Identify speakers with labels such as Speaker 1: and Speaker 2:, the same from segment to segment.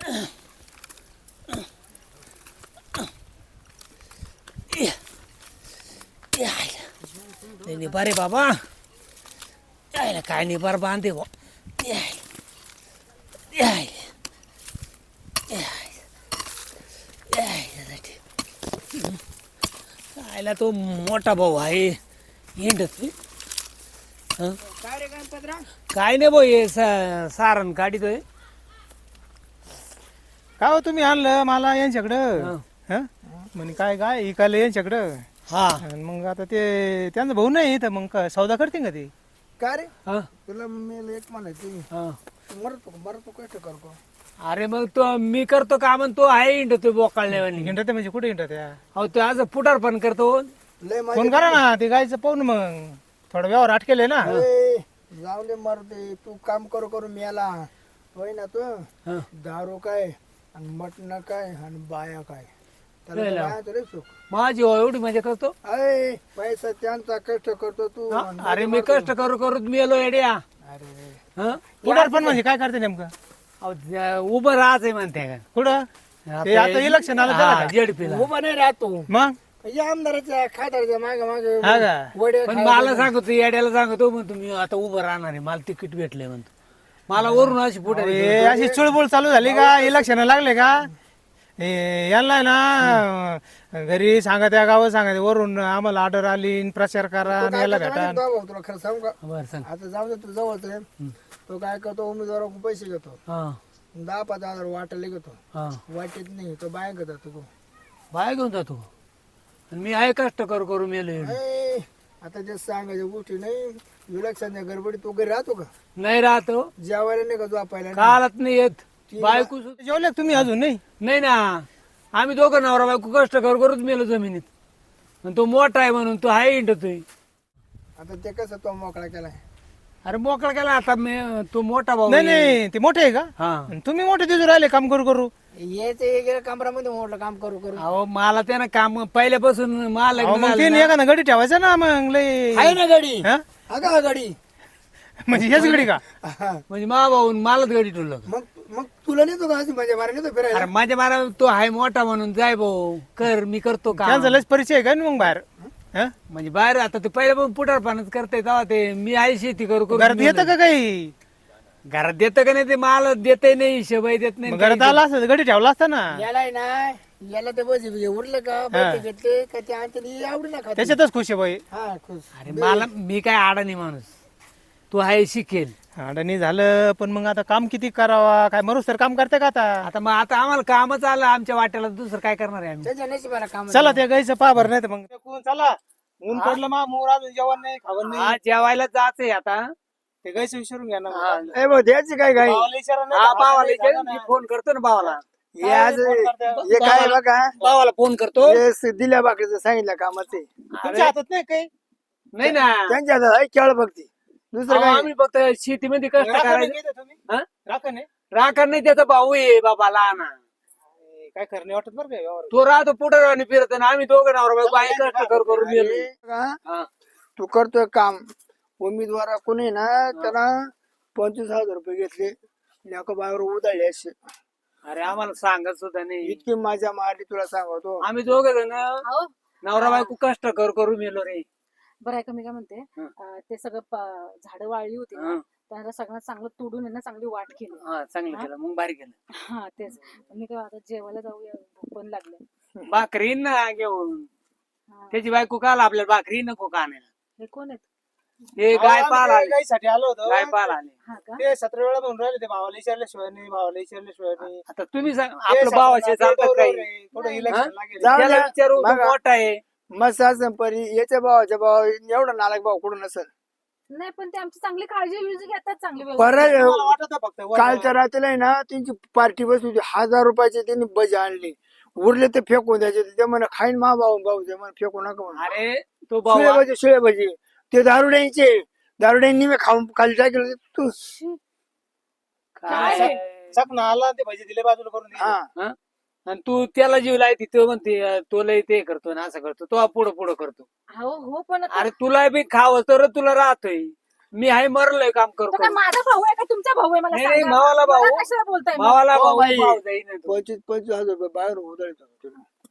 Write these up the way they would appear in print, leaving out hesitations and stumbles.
Speaker 1: निबारे बाबा यायला काय निबार बांधे बा यायला तो मोठा भाऊ आहे हिंडत काय नाही भाऊ हे सारण काढितोय.
Speaker 2: काय हो तुम्ही आणलं मला यांच्याकडं म्हणे काय काय इकायला यांच्याकडं.
Speaker 1: हा
Speaker 2: आणि मग आता ते त्यांचा भाऊ नाही तर मग सौदा करते का ते.
Speaker 3: काय रे
Speaker 1: हा
Speaker 3: तुला मी एक म्हणायचं
Speaker 1: हा.
Speaker 3: मरतो कष्ट करतो.
Speaker 1: अरे मग तो मी करतो काम आणि तो आहे हिंडतोय बोकाळण्यावानी.
Speaker 2: हिंडते म्हणजे कुठे हिंडते
Speaker 1: अहो तो आज पुटार पण करतो.
Speaker 3: लय
Speaker 2: फोन करा ना ते गायचं पाहून मग थोडा व्यवहार अटकेल ना.
Speaker 3: जाऊ दे मरते तू काम करू करू मेला होय ना तू
Speaker 1: हा.
Speaker 3: दारू काय आणि मटण काय आणि बाया काय त्याला
Speaker 1: लय
Speaker 3: तर
Speaker 1: लाव.
Speaker 3: बायाचं लय सुख.
Speaker 1: माझी एवढी मजा करतो.
Speaker 3: अय पैसा त्यांचा कष्ट करतो तू
Speaker 1: हा?
Speaker 3: आणि
Speaker 1: अरे मी कष्ट करू करू मेलो येड्या.
Speaker 3: अरे
Speaker 1: हं?
Speaker 2: पुढार पण म्हणजे काय करते नेमकं
Speaker 1: अहो, उभं राहायचंय म्हणते का
Speaker 2: कुठं ते आता इलेक्शन आलं त्याला का?
Speaker 1: जेडपीला.
Speaker 3: उभा नाही राहतो
Speaker 2: मग
Speaker 3: या आमदाराच्या खासदाराच्या मागे मागे
Speaker 2: हा का
Speaker 3: वडे
Speaker 1: पण मला सांगतो येड्याला सांगतो म्हणतो मी आता उभं राहणार आहे मला तिकीट भेटलंय म्हणतो. मला वरून अशी पुढे
Speaker 2: हे अशी चुळबुळ चालू झाली का इलेक्शन लागले का हे यांना ना घरी सांगा त्या गावात सांगा वरून आम्हाला ऑर्डर आली न प्रचार करा आणि याला भेटा.
Speaker 3: तुला खरं सांगू का
Speaker 1: बरं सांग.
Speaker 3: आता जाऊ दे तू जवळच आहे तो काय करतो उमेदवाराकडून पैसे घेतो
Speaker 1: हा
Speaker 3: 10-5 हजार वाटायला घेतो
Speaker 1: हा
Speaker 3: वाटेत नाही तो बाय घेतो तू
Speaker 1: बाय घेऊन जातो आणि मी आहे कष्ट करू करू मेलो एवढं.
Speaker 3: ए, आता जे सांगायच्या गोष्टी नाही विलक्षण गडबडी तू घरी राहतो का
Speaker 1: नाही राहतो
Speaker 3: जेवायला नाही का झोपायला नाही?
Speaker 1: कालच नाही येत बायको सुद्धा-
Speaker 2: जेवले का तुम्ही अजून नाही
Speaker 1: नाही ना आम्ही दोघं नवरा बायको कष्ट करू करूच मेलो जमिनीत. आणि तो मोठा आहे म्हणून तो आहे हिंडतोय.
Speaker 3: आता ते कसं तो मोकळा केलाय
Speaker 1: अरे मोकळा केला आता मी तो मोठा भाऊ
Speaker 2: नाही
Speaker 1: आहे.
Speaker 2: नाही ते मोठे आहे का
Speaker 1: हा
Speaker 2: आणि तुम्ही मोठे दिसून राहिले काम करू करू.
Speaker 3: याचे कमरामध्ये मोठं काम करू करू
Speaker 1: अहो मला त्यानं काम पहिल्यापासून मला
Speaker 2: अहो,
Speaker 1: लग्न
Speaker 2: मग
Speaker 1: झालं
Speaker 2: तीन
Speaker 1: ना.
Speaker 2: एखादा गडी ठेवायचा ना मग लय
Speaker 3: आहे ना गाडी
Speaker 2: हा?
Speaker 3: अगं गाडी
Speaker 2: म्हणजे हेच गडी का
Speaker 3: हा.
Speaker 1: म्हणजे मा भाऊन मलाच गाडी ठेवलं.
Speaker 3: मग तुला नेतो का अशी माझ्या मारा नेतो फिरायला
Speaker 1: अरे माझ्या मारा तो आहे मोठा म्हणून जाय भाऊ कर मी करतो का
Speaker 2: त्यांचा लयच परिचय आहे का ना मग बाहेर हा?
Speaker 1: म्हणजे बाहेर आता ते पहिले पण पुटारपणाच करते तेव्हा ते मी आहे शेती करू करू
Speaker 2: घरात येतं का काही
Speaker 1: घरात देतं का नाही ते मला देते नाही शिवाय देत नाही
Speaker 2: मग घरात आला असतं गडी ठेवला असता ना
Speaker 3: याला आहे ना याला ते बस उरलं का पैसे घेतले का ते आणते आवडी ना खाते
Speaker 2: त्याच्यातच खुश आहे बाई.
Speaker 3: हा खुश
Speaker 1: अरे मला मी काय अडाणी माणूस तू आहे शिकेल.
Speaker 2: अडणी झालं पण मग आता काम किती करावा काय मरूस तर काम करते का आता.
Speaker 1: आता मग आता आम्हाला कामच आलं आमच्या वाट्याला दुसरं काय करणार आहे आम्ही.
Speaker 3: त्याच्या नशिबाला काम
Speaker 2: चला त्या गाईचं पा भर नाही तर मग चला ऊन पडलं मा मोर अजून जेवण नाही खावण नाही.
Speaker 1: हा जेवायला जायचंय आता.
Speaker 2: ते गाईचं विचारून घ्या ना
Speaker 3: ए भाऊ द्यायची काय काय
Speaker 2: भावाला विचारा ना,
Speaker 1: हा
Speaker 2: भावाला
Speaker 1: भावाला
Speaker 2: विचारा
Speaker 1: विचार,
Speaker 2: ना.
Speaker 1: मी फोन करतो ना भावाला.
Speaker 3: हे आज हे काय बघा
Speaker 1: भावाला फोन करतो.
Speaker 3: हे दिल्या बाकीचं सांगितलं कामाचे
Speaker 2: तुमच्या हातात नाही काही
Speaker 1: नाही ना
Speaker 3: त्यांच्या हातात आहे केळ बघती दुसरं
Speaker 1: अहो,
Speaker 3: काय
Speaker 1: आम्ही फक्त शेतीमध्ये कष्ट
Speaker 2: राखण
Speaker 1: करायचं.
Speaker 2: नाही घेत तुम्ही?
Speaker 1: हा?
Speaker 2: राखण नाही?
Speaker 1: राखण नाही त्याचा भाऊ आहे बाबा लहान.
Speaker 2: काय खरं नाही वाटत बरं काय व्यवहार.
Speaker 1: तो राहतो पुढे आणि फिरत आणि आम्ही दोघं नवरा बायको आहे कष्ट करू करू गेलो.
Speaker 3: का?
Speaker 1: हा.
Speaker 3: तू करतोय काम उमेदवार कोणी ना त्याला 25,000 घेतले लेका बाहेर उधळले असे
Speaker 1: अरे आम्हाला सांगत सुद्धा नाही.
Speaker 3: इतकी माझ्या मारली तुला सांगतो
Speaker 1: आम्ही दोघं जण
Speaker 4: अहो
Speaker 1: नवरा बायको कष्ट करू करू मेलो रे.
Speaker 4: बरं आहे का मी काय म्हणते ते सगळं झाडं वाळली होती ना
Speaker 1: हा.
Speaker 4: त्यांना सगळं चांगलं तोडून यांना चांगली वाट केली
Speaker 1: हा चांगलं केलं मग भारी केलं.
Speaker 4: हा तेच मी काय आता जेवायला जाऊया भूक पण लागले
Speaker 1: भाकरी ना घेऊन
Speaker 4: हा.
Speaker 1: त्याची बायको काल आपल्याला भाकरी नको का आणायला.
Speaker 4: हे कोण आहेत
Speaker 1: हे गाय
Speaker 2: आम्ही
Speaker 1: पाल
Speaker 2: ते
Speaker 1: आले
Speaker 2: गाईसाठी आलो होतो
Speaker 1: गाय पाल आले.
Speaker 4: हा का
Speaker 2: ते 17 वेळा म्हणून राहिले ते भावाला विचारल्याशिवाय नाही भावाला विचारल्याशिवाय नाही.
Speaker 1: आता तुम्ही सांग
Speaker 2: ते
Speaker 1: आपलं भावाचे
Speaker 2: ते
Speaker 1: चालतात
Speaker 2: बरोबर
Speaker 1: काही
Speaker 2: आहे. थोडं इलेक्शन लागेल.
Speaker 3: जाऊ
Speaker 1: त्याला
Speaker 3: द्या.
Speaker 1: विचारू तो
Speaker 3: बघा.
Speaker 1: मोठा आहे.
Speaker 3: मस्त असं परी याच्या भावाच्या भाव एवढा नालायक भाव कुठून नसेल
Speaker 4: नाही पण ते आमची चांगली काळजी घेतात चांगली व्यवस्थित.
Speaker 3: परत
Speaker 2: मला वाटत होतं फक्त वर-
Speaker 3: कालच्या रात्रीला आहे ना त्यांची पार्टी बसली होती 1,000 त्यांनी बजा आणली उरले ते फेकून द्यायचे ते म्हणे खाईन मा भाऊ ते म्हणे फेकू नका म्हणे
Speaker 1: अरे तो भाऊ
Speaker 3: शिळे भजी ते दारुड्यांनी मी खाऊन खाली टाकलं तू
Speaker 1: काय
Speaker 2: चकना आला ते भजी दिले बाजूला करून दिले.
Speaker 3: हा
Speaker 1: आणि तू त्याला जीव लायती तो म्हणते तो लय ते करतो ना असं करतो तो पुढं पुढं करतो.
Speaker 4: हो हो पण आता
Speaker 1: अरे तुला बी खावं तर तुला राहतोय. मी आहे मरलोय काम करू
Speaker 4: तो काय
Speaker 1: करू.
Speaker 4: माझा भाऊ आहे का तुमचा भाऊ आहे मला
Speaker 1: नाही, नाही,
Speaker 4: सांगा.
Speaker 1: भावाला भाऊ.
Speaker 4: मला कशाला बोलताय मग?
Speaker 1: भावाला
Speaker 3: हो,
Speaker 1: भाऊ
Speaker 3: बाई.
Speaker 1: भाऊ जाईन तो.
Speaker 3: 25,000 रुपये बाहेर उधळतो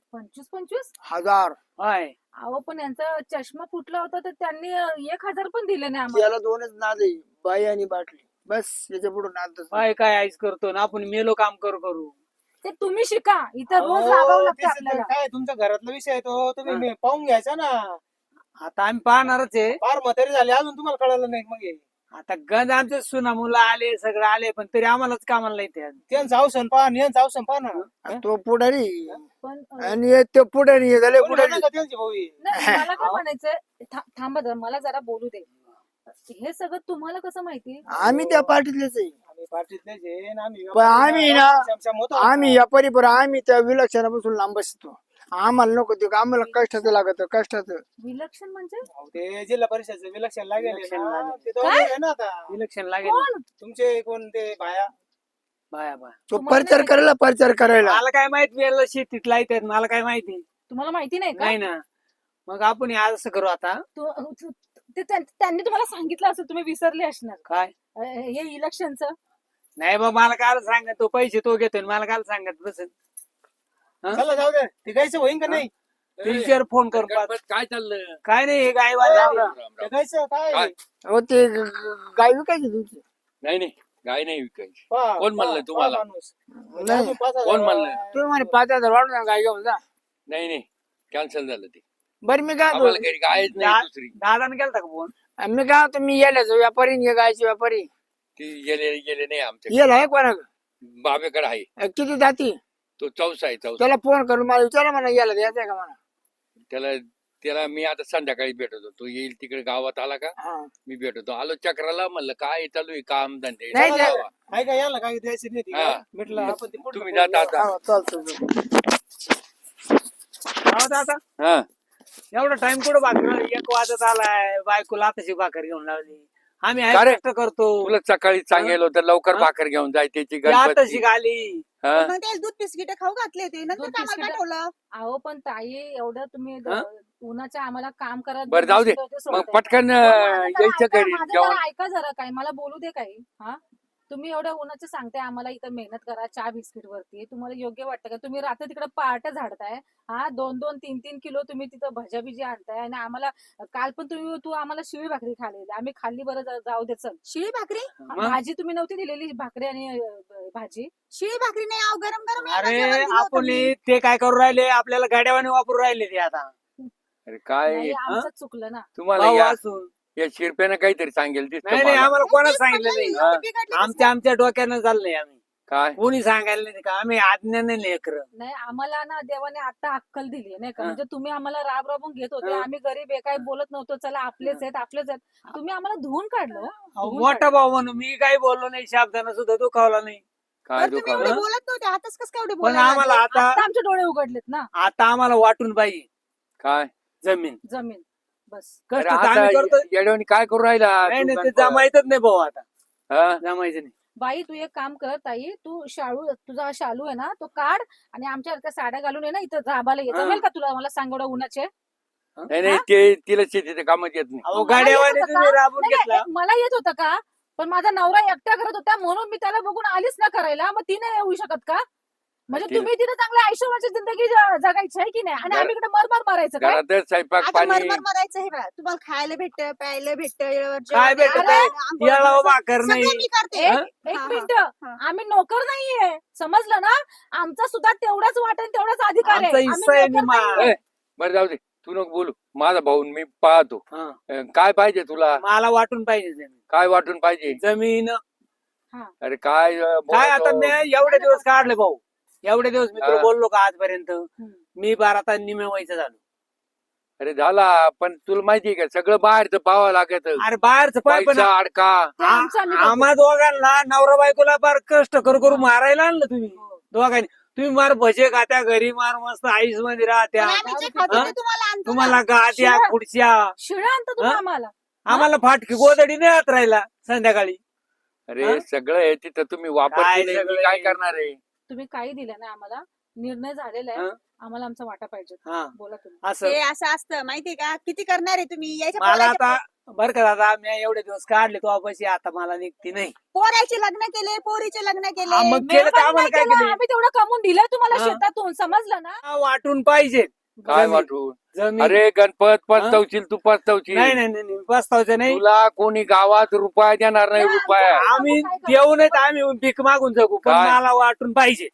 Speaker 4: 25
Speaker 3: हजार.
Speaker 1: होय.
Speaker 4: अहो पण यांचा चष्मा फुटला होता तर त्यांनी 1,000 पण दिले नाही आम्हाला.
Speaker 3: याला दोनच नाद आहे, बाई आणि बाटली, बस याच्या पुढे नादच नाही.
Speaker 1: काय आईस करतो ना आपण मेलो काम करू
Speaker 4: ते तुम्ही शिका इथं रोज
Speaker 2: अहो,
Speaker 4: राबावं लागतं
Speaker 2: तेच तर
Speaker 4: आपल्याला.
Speaker 2: काय तुमच्या घरातला विषय आहे तो तुम्ही पाहून घ्यायचा ना.
Speaker 1: आता आम्ही पाहणारच आहे.
Speaker 2: फार म्हातारी झाली अजून तुम्हाला कळालं नाही मग हे.
Speaker 1: आता गंज आमचे सुना मुलं आले सगळं आले पण तरी आम्हालाच कामाला नाही ते.
Speaker 2: त्यांचं अवसन पहा आणि यांचं अवसन पहा ना.
Speaker 3: तो पुढारी
Speaker 4: पण
Speaker 3: आणि ते पुढारी हे झाले
Speaker 2: कोणी
Speaker 3: पुढारी.
Speaker 2: म्हणलं का त्यांची भाऊ ही?
Speaker 4: नाही, मला काय म्हणायचंय थांबा जरा, मला जरा बोलू दे. हे सगळं तुम्हाला कसं माहिती?
Speaker 3: आम्ही त्या पार्टीतलेच आहे.
Speaker 2: आम्ही पार्टीतलेच आहे आणि आम्ही
Speaker 3: पण आम्ही ना
Speaker 2: समसम होतो.
Speaker 3: आम्ही या परिपर आम्ही त्या विलक्षणापासून लांब बसतो. आम्हाला नको ते आम्हाला कष्टाचं लागत कष्टाचं.
Speaker 4: विलक्षण म्हणजे
Speaker 2: अहो, ते जिल्हा परिषदचं विलक्षण लागेल
Speaker 1: विलक्षण
Speaker 2: ना.
Speaker 1: लागेल.
Speaker 2: ते दोघं आहे ना आता.
Speaker 1: इलेक्शन लागेल.
Speaker 4: कोण?
Speaker 2: तुमचे कोण ते बाया
Speaker 1: बाया
Speaker 3: तो प्रचार करायला
Speaker 1: मला काय माहित मी शेतीत लाईत मला काय माहिती
Speaker 4: तुम्हाला माहिती नाही का?
Speaker 1: नाही ना. मग आपण हे असं करू आता
Speaker 4: त्यांनी तुम्हाला सांगितलं असं तुम्ही विसरले असणार.
Speaker 1: काय
Speaker 4: हे इलेक्शनचं
Speaker 1: नाही बा मला काय सांगत तो पैसे तो घेतोय मला काय सांगत बसेल.
Speaker 2: चला जाऊ दे ते गायचं होईन का नाही.
Speaker 1: टीचर फोन करून पाहतो.
Speaker 5: काय चाललं
Speaker 1: काय नाही हे गायवाले
Speaker 2: ते गायचं काय
Speaker 5: काय?
Speaker 3: हो ते गाय विकायची तुमची.
Speaker 5: नाही नाही गाय नाही विकायची.
Speaker 2: पहा,
Speaker 5: कोण म्हणलं
Speaker 2: पहा,
Speaker 5: तुम्हाला?
Speaker 2: पहा माणूस.
Speaker 3: नाही.
Speaker 2: अजून 5,000
Speaker 5: कोण म्हणलं?
Speaker 3: तुम्ही म्हणे 5,000 वाढून गाय घेऊन जा.
Speaker 5: नाही नाही कॅन्सल झालं ते.
Speaker 3: बरं मी काय
Speaker 5: आम्हाला
Speaker 3: म्हणतो,
Speaker 5: घरी गायच नाही दुसरी.
Speaker 1: दादाने केलता का फोन?
Speaker 3: मी काय म्हणतो, मी येल्याचो व्यापारी आणि हे गायचे व्यापारी
Speaker 5: ती गेले गेले नाही आमच्या
Speaker 3: येल आहे कोणा
Speaker 5: बाबेकडे आहे.
Speaker 3: किती जाती
Speaker 5: तो चौसा आहे चौसा.
Speaker 3: त्याला फोन करून मला विचारा म्हणा यायला द्यायचं आहे का म्हणा.
Speaker 5: त्याला त्याला मी आता संध्याकाळी भेटतो. तो येईल तिकडे गावात आला का
Speaker 3: हा.
Speaker 5: मी भेटतो. आलो चक्राला म्हणलं काय चालू आहे काम धंदे.
Speaker 3: नाही,
Speaker 5: चला
Speaker 3: नाही.
Speaker 5: जावा.
Speaker 2: आहे का याला काय द्यायची नाही ती
Speaker 5: हा.
Speaker 2: का? म्हटलं आपण ते पुढलं
Speaker 5: तुम्ही
Speaker 2: बोलू.
Speaker 5: जाता आता.
Speaker 3: हा, चालतं.
Speaker 1: हो दादा
Speaker 5: हा
Speaker 1: एवढा टाइम कुठं भाकर 1 वाजत आलाय बायकोला आताची भाकर घेऊन लावली. आम्ही
Speaker 5: का रे?
Speaker 1: आहे कष्ट करतो.
Speaker 5: तुला सकाळी सांगेल होतं लवकर
Speaker 1: हा?
Speaker 5: भाकर घेऊन जाय त्याची
Speaker 1: ती आताशी
Speaker 5: गणपती.
Speaker 1: आली.
Speaker 5: हा?
Speaker 6: मग ते दूध बिस्किट खाऊ घातले होते नंतर
Speaker 4: दूध
Speaker 6: कामाला
Speaker 4: बिस्किटं?
Speaker 6: पाठवलं.
Speaker 4: अहो पण ताई एवढं तुम्ही
Speaker 1: हा?
Speaker 4: उन्हाच्या आम्हाला काम करत
Speaker 5: बरं जाऊ दे. मग पटकन यायचं घरी जेवण.
Speaker 4: ऐका जरा काही मला बोलू दे काही. हा तुम्ही एवढ्या उन्हाचं सांगताय आम्हाला इथं मेहनत करा चहा बिस्किट वरती. तुम्हाला योग्य वाटतं का? तुम्ही रात्री तिकडे पार्ट्या झाडताय. हा 2-2, 3-3 किलो तुम्ही तिथं भज्या बिजी आणताय आणि आम्हाला काल पण तू आम्हाला शिळी भाकरी खाल्ली. आम्ही खाल्ली बरं जाऊ दे चल.
Speaker 6: शिळी भाकरी
Speaker 1: मग?
Speaker 4: भाजी तुम्ही नव्हती दिलेली भाकरी आणि भाजी.
Speaker 6: शिळी भाकरी नाही आव गरम गरम
Speaker 1: अरे
Speaker 6: जेवण दिलं होतं
Speaker 1: आपण
Speaker 6: मी.
Speaker 1: ते काय करू राहिले आपल्याला गाड्यावाने वापरू राहिले ते आता
Speaker 5: अरे काय
Speaker 4: नाही, आमचं चुकलं ना.
Speaker 5: तुम्हाला
Speaker 1: भाऊ
Speaker 5: या
Speaker 1: असून.
Speaker 5: या शिरप्यानं काहीतरी सांगेल दिसतं
Speaker 1: नाही नाही
Speaker 5: मला.
Speaker 1: आम्हाला कोणाच
Speaker 6: तेच
Speaker 1: सांगितलं
Speaker 6: म्हटलं
Speaker 1: नाही.
Speaker 6: मी, एवढी बिघडली
Speaker 1: आमच्या डोक्यानं चाललंय आम्ही
Speaker 5: काय
Speaker 1: कोणी सांगायला नाही का आम्ही आज्ञाने लेकर.
Speaker 4: नाही आम्हाला ना देवाने आता अक्कल दिली नाही का?
Speaker 1: हा.
Speaker 4: म्हणजे तुम्ही आम्हाला राब राबून घेत होते.
Speaker 1: हा.
Speaker 4: आम्ही गरीब आहे काही बोलत नव्हतो. चला आपलेच आहेत. तुम्ही आम्हाला धुवून काढलं हो. धुवून
Speaker 1: मोठा भाऊ म्हणून मी काही बोललो नाही शब्दानं सुद्धा दुखावला नाही.
Speaker 5: काय
Speaker 6: बरं, तुम्ही
Speaker 5: दुकान
Speaker 6: एवढे
Speaker 1: हा?
Speaker 6: बोलत नव्हते आताच कसं काय एवढे
Speaker 1: पण
Speaker 6: बोलायला
Speaker 1: आम्हाला
Speaker 6: लागले?
Speaker 1: आता
Speaker 4: आता आमचे डोळे उघडलेत ना.
Speaker 1: आता आम्हाला वाटून पाहिजे
Speaker 5: काय
Speaker 1: जमीन.
Speaker 4: जमीन बस.
Speaker 1: कष्ट
Speaker 5: अरे
Speaker 1: तर
Speaker 5: आता
Speaker 1: आम्ही करतो.
Speaker 5: येड्यावानी काय करू राहिला
Speaker 1: नाही नाही ते
Speaker 5: दुकान
Speaker 1: जमायचंच नाही भाऊ आता
Speaker 5: हा?
Speaker 1: जमायचं नाही.
Speaker 4: बाई तू एक काम कर ताई. तू तुझा शालू आहे ना तो काढ आणि आमच्या साड्या घालून ये ना इथं राबाला ये.
Speaker 1: हा.
Speaker 4: जमेल का तुला? मला सांग एवढं उन्हाचे.
Speaker 5: नाही नाही ते तिला शेतीच्या कामात येत नाही.
Speaker 1: अहो
Speaker 4: मला
Speaker 1: गाड्यावाने
Speaker 4: येत होतं
Speaker 1: तुम्ही
Speaker 4: का?
Speaker 1: राबून
Speaker 4: नाही,
Speaker 1: घेतला.
Speaker 4: नाही, मला येत होतं का? पण माझा नवरा एकटा करत होता म्हणून मी त्याला बघून आलीच ना करायला. मग ती नाही येऊ शकत का? म्हणजे
Speaker 5: तिला-
Speaker 4: तुम्ही तिथे चांगल्या आयुष्यभराची जिंदगी जगायची आहे की नाही? आणि आम्ही इकडे मरमर मारायचं काय?
Speaker 5: घरातच स्वयंपाक
Speaker 6: आता
Speaker 5: पाणी
Speaker 6: मरमर मरायचं हे बघा तुम्हाला खायला भेटतं प्यायला भेटतं
Speaker 1: काय भेटत याला भाकर नाही.
Speaker 6: मी करते
Speaker 4: एक
Speaker 1: हा?
Speaker 4: एक
Speaker 6: हा,
Speaker 4: मिनिट.
Speaker 6: हा.
Speaker 4: आम्ही नोकर नाहीये समजलं ना? आमचा सुद्धा तेवढाच वाटण तेवढाच अधिकार आहे.
Speaker 1: आमचा
Speaker 4: आम्ही
Speaker 1: हिस्सा आहे
Speaker 4: नोकर
Speaker 1: निमा.
Speaker 4: नाहीये.
Speaker 5: ए, बरं जाऊ दे तू नको बोलू. माझा भाऊ मी पाहतो.
Speaker 1: हा.
Speaker 5: काय पाहिजे तुला?
Speaker 1: मला वाटून पाहिजे जमीन.
Speaker 5: काय वाटून पाहिजे?
Speaker 1: जमीन
Speaker 5: अरे काय
Speaker 1: काय आता
Speaker 5: बोलतो?
Speaker 1: मी एवढे दिवस काढले भाऊ. एवढे दिवस मी तुला
Speaker 5: हा.
Speaker 1: बोललो का आजपर्यंत
Speaker 4: हम्म.
Speaker 1: मी 12 तास निमे व्हायचं झालो.
Speaker 5: अरे झाला पण तुला माहितीये का सगळं बाहेरचं पाहावं लागत.
Speaker 1: अरे बाहेरचं पाय पण
Speaker 5: पैसा अडका
Speaker 4: ते आमचं आम्ही बघू.
Speaker 1: आम्हा दोघांना नवरा बायकोला फार कष्ट करू मारायला आणलं तुम्ही
Speaker 4: हो.
Speaker 1: दोघांनी. तुम्ही मार भजे खात्या घरी मार मस्त आईस मध्ये राहत्या.
Speaker 6: पण आम्ही जे खातो
Speaker 1: हा?
Speaker 6: ते तुम्हाला आणतो ना.
Speaker 1: तुम्हाला गाद्या
Speaker 4: शिवाय-
Speaker 1: खुर्च्या
Speaker 4: शिळ्या आणता तुम्ही
Speaker 1: हा?
Speaker 4: आम्हाला.
Speaker 1: आम्हाला फाटकी गोदडी नाही हात राहिला संध्याकाळी.
Speaker 5: अरे
Speaker 1: हा?
Speaker 5: सगळं आहे तिथं तुम्ही वापर
Speaker 1: काय
Speaker 5: केले, मी
Speaker 1: सगळं
Speaker 5: काय
Speaker 1: आहे?
Speaker 5: करणार आहे?
Speaker 4: तुम्ही काही दिलं ना आम्हाला. निर्णय झालेला आहे.
Speaker 1: हा?
Speaker 4: आम्हाला आमचा वाटा पाहिजे.
Speaker 1: हा
Speaker 4: बोला तुम्ही.
Speaker 1: असं
Speaker 6: ते असं असतं माहितीये का किती करणार आहे तुम्ही यायच्या
Speaker 1: मला
Speaker 6: पोराच्या
Speaker 1: आता बरं का दादा, मी एवढे दिवस काढले तो पैसे, आता मला निघती नाही.
Speaker 6: पोराचे लग्न केले, पोरीचे लग्न
Speaker 1: हा,
Speaker 6: केले.
Speaker 1: मग केलं तर आम्हाला काय केलं?
Speaker 4: आम्ही तेवढं कमवून दिलं तुम्हाला
Speaker 1: हा.
Speaker 4: शेतातून, समजलं ना?
Speaker 1: वाटून पाहिजे
Speaker 5: काय
Speaker 1: जमीन.
Speaker 5: वाटून?
Speaker 1: जमीन.
Speaker 5: अरे गणपत पचतवशील तू पचतवशील.
Speaker 1: नाही नाही नाही बसतावचं नाही.
Speaker 5: तुला कोणी गावात रुपया देणार नाही, रुपया.
Speaker 1: आम्ही
Speaker 4: काय करतो?
Speaker 1: देऊ नयेत, आम्ही भीक मागून जगू, पण
Speaker 5: काय?
Speaker 1: मला वाटून पाहिजे.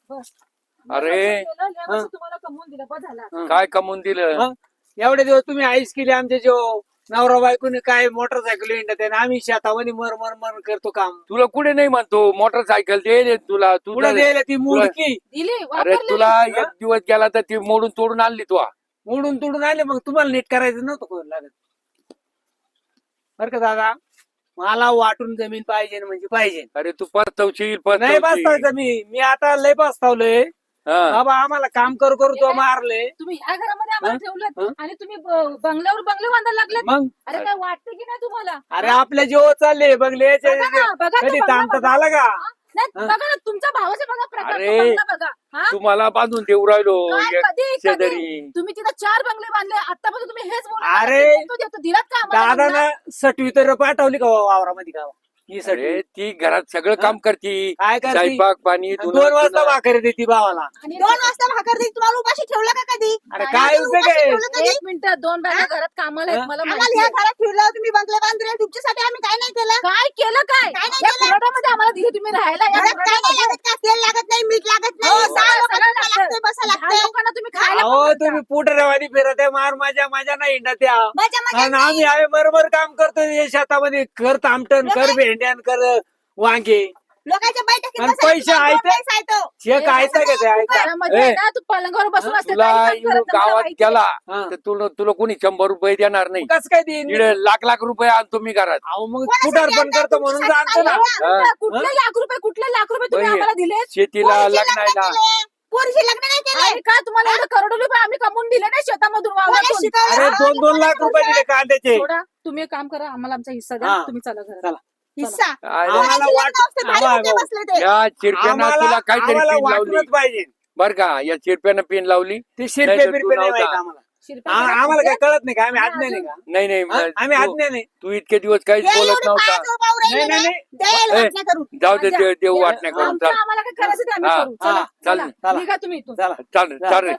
Speaker 5: अरे.
Speaker 4: लय वर्ष तुम्हाला कमवून दिलं, बस झालं.
Speaker 5: काय कमवून दिलं?
Speaker 1: मग एवढे दिवस तुम्ही आईस केली आमचे, जो नवरा बायकोने काय मोटरसायकल इंडत आहे, आम्ही शेतामध्ये मर मर मर करतो काम.
Speaker 5: तुला कुठे नाही म्हणतो, मोटरसायकल दे तुला.
Speaker 1: पुढे
Speaker 5: तुला
Speaker 1: द्यायला ती मुडकी
Speaker 4: दिली,
Speaker 5: अरे
Speaker 4: वापरलेली.
Speaker 5: तुला एक दिवस गेला तर ती मोडून तोडून आणली तू.
Speaker 1: मोडून तोडून आले, मग तुम्हाला नीट करायचं नव्हतं कोण लागत. बरं का दादा, मला वाटून जमीन पाहिजे म्हणजे पाहिजे.
Speaker 5: अरे तू पचतवशील
Speaker 1: नाही
Speaker 5: पचतवशील.
Speaker 1: बसतावचं मी आता लय बसतावलंय
Speaker 5: हा.
Speaker 1: बाबा, आम्हाला काम करू करू तो मारले.
Speaker 4: तुम्ही ह्या घरामध्ये आम्हाला
Speaker 1: हा?
Speaker 4: ठेवलं आणि तुम्ही बंगल्यावर बंगले बांधायला लागले.
Speaker 1: मग
Speaker 4: अरे काय वाटतं की नाही तुम्हाला?
Speaker 1: अरे आपले जेव्हा चालले बघले
Speaker 4: बघा ना, बघा तो
Speaker 1: कधी
Speaker 4: बंगला
Speaker 1: ताणतात
Speaker 4: बघा.
Speaker 1: आला का?
Speaker 4: नाही, बघा ना, तुमच्या भावाचा बघा प्रकार, तो
Speaker 5: अरे.
Speaker 4: बंगला बघा. हा?
Speaker 5: तुम्हाला बांधून देऊ राहिलो
Speaker 4: काय,
Speaker 5: एक
Speaker 4: कधी
Speaker 5: शेजारी.
Speaker 4: तुम्ही तिथं 4 बंगले बांधले, आतापर्यंत तुम्ही हेच बोलत
Speaker 1: अरे.
Speaker 4: दिलात का आम्हाला
Speaker 1: दादा
Speaker 4: बंगला?
Speaker 1: ना सटवी तर पाठवली का वावरामध्ये का ही सटवी?
Speaker 5: अरे ती घरात सगळं काम करती,
Speaker 1: काय करती?
Speaker 5: स्वयंपाक पाणी
Speaker 1: आणि 2 वाजता भाकरी देती भावाला.
Speaker 4: आणि
Speaker 6: 2 वाजता भाकर देईल, तुम्हाला उपाशी ठेवलं का कधी?
Speaker 1: अरे काय उपयोग आहे?
Speaker 4: एक मिनिट, 2 बॅगा घरात कामाला आहेत, मला
Speaker 6: आम्हाला
Speaker 4: माहिती
Speaker 6: ह्या
Speaker 4: आहे.
Speaker 6: घरात ठेवलं, तुम्ही बंगले बांधले, तुमच्यासाठी आम्ही काय नाही केलं?
Speaker 4: काय केलं काय?
Speaker 6: काय नाही
Speaker 4: या
Speaker 6: केलं?
Speaker 4: खुराड्यामध्ये आम्हाला दिली तुम्ही राहायला, या
Speaker 6: घरात काय नाही
Speaker 4: खुराड्यामध्ये.
Speaker 6: लागत का? तेल लागत नाही, मीठ लागत नाही,
Speaker 4: हो,
Speaker 6: 6
Speaker 4: सगळं
Speaker 6: लोकांना
Speaker 4: लागतं.
Speaker 6: लागतंय, बसा
Speaker 4: 10
Speaker 6: लागतंय.
Speaker 4: लोकांना तुम्ही खायला
Speaker 1: अहो
Speaker 4: पण
Speaker 1: तुम्ही पुटरेवानी फिरत आहे, मार माझ्या नाही इंडा त्या.
Speaker 6: मजा मजा
Speaker 1: आणि आम्ही आहे बरोबर काम करतोय या शेतामध्ये, कर तामटण, कर भेंड्यान, कर वांगे.
Speaker 6: लोकांच्या बैठकीत
Speaker 1: आणि
Speaker 6: बसायचं,
Speaker 1: पैसे
Speaker 6: तुम्हाला
Speaker 1: आहेत?
Speaker 6: दोन पैसे आहेत तो.
Speaker 1: शेक आहे का ते ऐका?
Speaker 4: घरामध्ये
Speaker 5: ए.
Speaker 4: ना तू पलंगावर बसून असते,
Speaker 5: तुला
Speaker 4: काही काम
Speaker 5: इकडून
Speaker 4: करत नाही,
Speaker 5: गावात
Speaker 4: माहिती आहे.
Speaker 5: केला
Speaker 1: हा.
Speaker 5: तर तुला कोणी 100 रुपये देणार नाही.
Speaker 1: कसं काय देईन?
Speaker 5: इकडे लाख रुपये आणतो मी घरात.
Speaker 1: अहो मग
Speaker 6: कोणासाठी
Speaker 1: पुटार पण
Speaker 6: आणता?
Speaker 1: करतो म्हणून
Speaker 6: तुमच्यासाठी
Speaker 1: जाणतो ना.
Speaker 6: आणता?
Speaker 5: हा.
Speaker 4: कुठले लाख रुपये तुम्ही
Speaker 5: बाई,
Speaker 4: आम्हाला दिले?
Speaker 5: शेतीला
Speaker 6: पोरीचे
Speaker 5: लग्नाला
Speaker 6: लग्न केले, पोरीचे लग्न नाही केले.
Speaker 4: आणि का तुम्हाला एवढं करोडो रुपये आम्ही कमवून दिले नाही शेतामधून,
Speaker 6: कोणी
Speaker 4: वावरातून?
Speaker 6: शिकवलं?
Speaker 1: अरे
Speaker 6: हा,
Speaker 1: 2 लाख रुपये दिले कांद्याचे.
Speaker 4: थोडा तुम्ही एक काम करा, आम्हाला आमचा हिस्सा द्या,
Speaker 1: हा.
Speaker 4: तुम्ही चला घरात.
Speaker 1: चला.
Speaker 6: हिस्सा.
Speaker 5: अरे,
Speaker 1: आम्हाला
Speaker 6: कोणाची
Speaker 1: वाट-
Speaker 6: लग्न असते, भारी
Speaker 1: आम्हाला-
Speaker 6: होते बसले ते.
Speaker 5: या चिरप्यानं तुला काहीतरी
Speaker 1: आम्हाला
Speaker 5: पिन लावली
Speaker 1: वाटलंच पाहिजे.
Speaker 5: बर का? या चिरप्यानं पिन लावली.
Speaker 1: ते शिरपे
Speaker 5: नाही तर तू
Speaker 1: बिरपे नाही
Speaker 5: नव्हता.
Speaker 1: माहित आम्हाला.
Speaker 4: शिरप्या
Speaker 1: आम्हाला काय
Speaker 4: घरात
Speaker 1: कळत नाही का? आम्ही
Speaker 4: आणि
Speaker 1: आज्ञा नाही
Speaker 4: अजून-
Speaker 1: का?
Speaker 5: नाही नाही
Speaker 1: हा? आम्ही
Speaker 5: तू-
Speaker 1: आज्ञा नाही.
Speaker 5: तू इतके दिवस काहीच
Speaker 6: हे
Speaker 5: बोलत
Speaker 6: एवढे
Speaker 5: नव्हता.
Speaker 6: पायाचं उभं राहिले
Speaker 1: नाही,
Speaker 6: ना,
Speaker 1: नाही,
Speaker 6: द्यायला
Speaker 5: ए.
Speaker 6: वाटण्या करून.
Speaker 5: जाऊ दे
Speaker 4: माझ्या-
Speaker 5: देव वाटण्या करून
Speaker 4: आमचं
Speaker 5: चाल
Speaker 4: आम्हाला काय करायचं ते आम्ही
Speaker 5: हा,
Speaker 4: करू. चला,
Speaker 1: हा,
Speaker 4: चला.
Speaker 1: चला.
Speaker 4: निघा तुम्ही इथून.
Speaker 1: चला
Speaker 5: चाल चाल रे.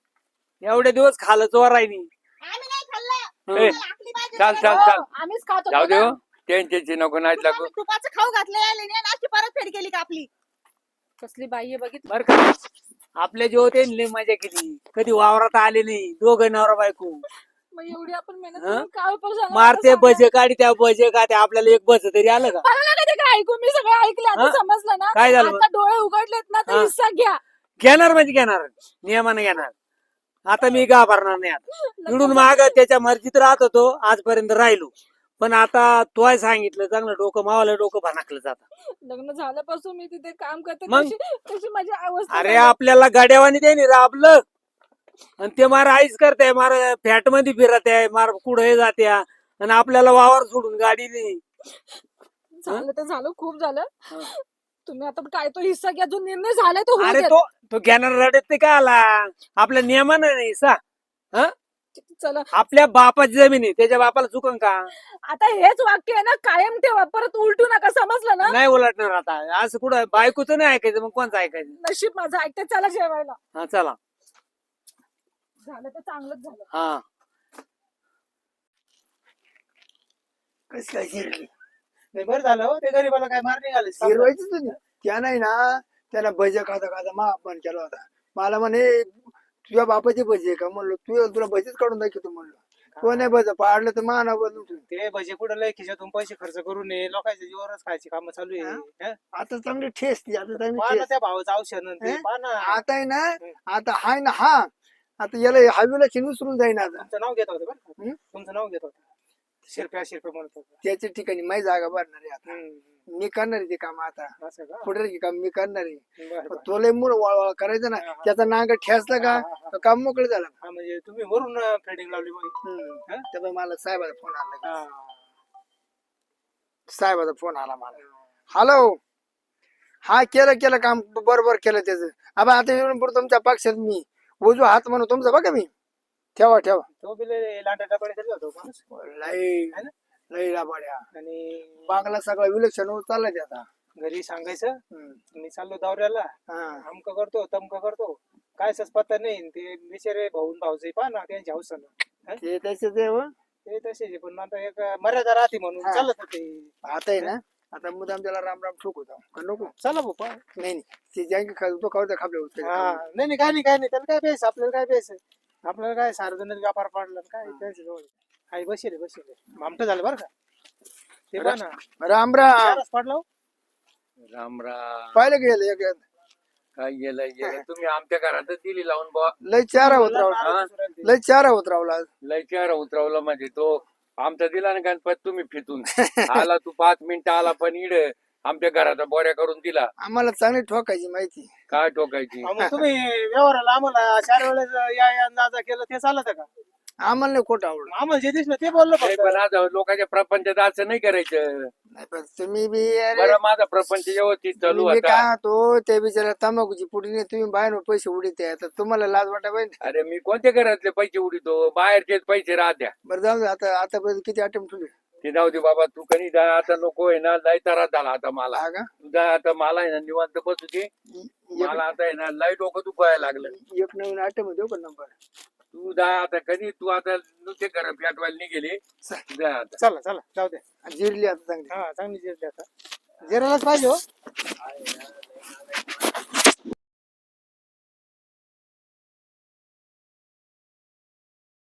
Speaker 1: एवढे दिवस खालं चोर राहिली.
Speaker 6: आम्ही नाही खाल्लं.
Speaker 5: ए,
Speaker 6: आम्हाला आखली पाहिजे.
Speaker 5: चाल चाल
Speaker 4: हो,
Speaker 5: चाल
Speaker 4: आम्हीच खातो
Speaker 5: जाऊ दे
Speaker 4: ना.
Speaker 5: हो. त्यांच्याची नको नाहीत लागू.
Speaker 6: तुम्ही तुपाचं खाऊ घातलं यायला नाही आणि अशी परतफेड केली का आपली?
Speaker 4: कसली बाई आहे बघितलं.
Speaker 1: बर का? आपल्या जेव्हा ते लय मजा केली, कधी वावरात आले नाही, दोघं नवरा बायको
Speaker 4: मग एवढी आपण मेहनत
Speaker 1: हा?
Speaker 4: करून काय उपयोग झाला?
Speaker 1: मारते
Speaker 4: मला सांगा.
Speaker 1: बजे काढी त्या बजे का त्या आपल्याला एक बस तरी आलं का?
Speaker 4: मला नाही कधी काय ऐकू, मी सगळं ऐकलं, आता
Speaker 1: हा?
Speaker 4: समजलं ना.
Speaker 1: काय झालं?
Speaker 4: आता डोळे उघडलेत ना, तर
Speaker 1: हा?
Speaker 4: हिस्सा घ्या.
Speaker 1: घेणार म्हणजे घेणार, नियमाने घेणार. आता मी घाबरणार नाही. आता इडून माग त्याच्या मर्जीत राहत होतो, आजपर्यंत राहिलो. पण आता तोय सांगितलं, चांगलं डोकं मावाला डोकं भनाकलं जात.
Speaker 4: लग्न झाल्यापासून मी तिथे काम करते,
Speaker 1: मग?
Speaker 4: तशी माझी अवस्था
Speaker 1: अरे
Speaker 4: झाली.
Speaker 1: आपल्याला गाड्यावानी त्यांनी राबलं आणि ते मार आईस करते, मार फॅट मध्ये फिरत आहे, मार कुठे जात्या आणि आपल्याला वावर सोडून गाडी नाही.
Speaker 4: झालं तर झालं, खूप झालं.
Speaker 1: हा.
Speaker 4: तुम्ही आता काय तो हिस्सा घ्या, जो निर्णय झालाय तो होऊ
Speaker 1: अरे
Speaker 4: द्या.
Speaker 1: तो घेणार रडत ते का आला? आपल्या नियमानं नाही सा.
Speaker 4: चला,
Speaker 1: आपल्या बापाची जमीन आहे, त्याच्या बापाला चुकन का?
Speaker 4: आता हेच वाक्य आहे ना, कायम ठेवा, परत उलटू नका, समजलं ना.
Speaker 1: नाही उलटणार आता. असं कुठं बायकोचं नाही ऐकायचं, मग कोणचं ऐकायचं?
Speaker 4: नशीब माझं ऐकते, चला जेवायला.
Speaker 1: हा चला.
Speaker 4: झालं तर चांगलंच झालं.
Speaker 1: हा
Speaker 3: कशी काय शिरली
Speaker 2: नाही बरं झालं हो, ते गरीबाला काय मार निघाले.
Speaker 3: शिरवायचीच होती. त्या नाही ना, त्याला भजे खाता खाता मा अपमान केला होता. मला म्हणे तुझ्या बापाचे भजे का? म्हणलो तुला भजेच काढून दाखवतो म्हणलो. तो नाही भज पाडलं तर मा नाव बदलून ठेवलं.
Speaker 2: ते भजे कुठं लय खिशातून पैसे खर्च करू नये, लोकांच्या जीवावरच खायची कामं चालू आहे. हं?
Speaker 3: आता चांगली ठेस ती, आता चांगली
Speaker 2: पहा ना
Speaker 3: ठेस.
Speaker 2: त्या भावाचं औषध आणि ते
Speaker 3: हं?
Speaker 2: पहा ना.
Speaker 3: आता आहे ना, आता हाय ना हा, आता याला हवीला विसरून जाईन आता.
Speaker 2: तुमचं नाव घेत होतं बरं का?
Speaker 3: हं?
Speaker 2: तुमचं नाव घेत होतं. शिरप्या म्हणत होतं.
Speaker 3: त्याच्या ठिकाणी माझी जागा भरणार आहे आता.
Speaker 2: हं,
Speaker 3: मी करणार आहे ते काम आता.
Speaker 2: असं का?
Speaker 3: पुढे काम मी करणार आहे.
Speaker 2: बरं,
Speaker 3: पण
Speaker 2: बरं.
Speaker 3: तो लय मूळ वळवळ करायचं ना,
Speaker 2: हा, हा.
Speaker 3: त्याचा नांग ठेसला का
Speaker 2: हा, हा, हा.
Speaker 3: तर काम मोकळं झालं.
Speaker 2: हा, म्हणजे तुम्ही वरून फेडिंग लावली मग. हं?
Speaker 3: त्यामुळे मला साहेबाचा फोन आला.
Speaker 2: हा.
Speaker 3: साहेबाचा फोन आला मला. हॅलो, हा केलं काम बरोबर केलं त्याचं. आता येऊन पुढे तुमच्या पक्षात मी उजू हात म्हणून तुमचा बघा मी. ठेवा
Speaker 2: तो बी लय लांडा डबाडे करत होता माणूस.
Speaker 3: लय
Speaker 2: है ना?
Speaker 3: लई लाभाड्या
Speaker 2: आणि
Speaker 3: बांगला सगळा विलक्षण होत चाललाय ते आता.
Speaker 2: घरी सांगायचं
Speaker 3: हम्म.
Speaker 2: मी चाललो दौऱ्याला,
Speaker 3: हा.
Speaker 2: अमक करतो तमक करतो, काय पत्ता नाही. ते बिचारे भाऊचे पहा ना त्यांच्या हौसानं
Speaker 3: ते त्याचे ते हो.
Speaker 2: ते तसे पण आता एक मर्यादा राहते म्हणून
Speaker 3: हा.
Speaker 2: चालत ते.
Speaker 3: आता आहे ना, आता मुदाम त्याला राम राम ठोक होता का नको.
Speaker 2: चला बाबा.
Speaker 3: नाही नाही ते ज्यांकी तो खाऊ खापल्या होते
Speaker 2: हा नाही नाही, काय नाही काय नाही, त्याला काय प्यायचं, आपल्याला काय प्यायचं, आपल्याला काय सार्वजनिक व्यापार पडला काय त्यांच्या जवळ. आई बसेल आमट झालं बरं का ते पहा ना.
Speaker 3: राम राम
Speaker 2: चारच पडला हो.
Speaker 5: राम राम.
Speaker 3: पाहिलं गेलं एक
Speaker 5: काय गेलं तुम्ही आमच्या घरातच दिली लावून बुवा.
Speaker 3: लय चारा होत रावला, लय चारा होत रावला.
Speaker 5: लय चेहरा उतरवला म्हणजे तो आमचा दिला ना गणपत तुम्ही फितून आला तू 5 मिनिटं आला पण इड आमच्या घराचा बोऱ्या करून दिला.
Speaker 3: आम्हाला चांगली ठोकायची माहिती.
Speaker 5: काय टोकायची.
Speaker 2: मग तुम्ही व्यवहाराला आम्हाला 4 वेळेस या अंदाजा केलं ते चालत का?
Speaker 3: आम्हाला नाही खोटं आवडलं.
Speaker 2: आम्हाला जे दिसलं ते बोललो
Speaker 5: नाही,
Speaker 2: फक्त.
Speaker 5: पण आज लोकांच्या प्रपंचात असं नाही करायचं.
Speaker 3: नाही पण तुम्ही बी अरे
Speaker 5: बरं माझा प्रपंच व्यवस्थित चालू
Speaker 3: मी
Speaker 5: होता.
Speaker 3: काय तो त्या बिचारा तंबाखूची पुडी नाही, तुम्ही बाहेर पैसे उडीत आहे, तर तुम्हाला लाज वाटा पाहिजे.
Speaker 5: अरे मी कोणत्या घरातले पैसे उडीतो, बाहेरचेच पैसे राहत्या.
Speaker 3: बरं जाऊ दे, आता आतापर्यंत किती अटेम्प्ट ठेवले.
Speaker 5: ते जाऊ दे बाबा, तू कधी जा आता नको आहे ना, लय त्रास झाला आता मला.
Speaker 3: हा का?
Speaker 5: तू जा आता, मला आहे ना निवांत बसू दे. मला आता आहे ना लय डोकं दुखायला लागलं.
Speaker 3: एक नवीन अटेम्प देऊ का नंबर.
Speaker 5: तू जा आता, कधी तू आता नुसते घर पेटवायला निघेले. जा आता.
Speaker 2: चला चला जाऊ दे.
Speaker 3: जिरली आता चांगली.
Speaker 2: हा चांगली जिरली आता. जिरायलाच पाहिजे हो.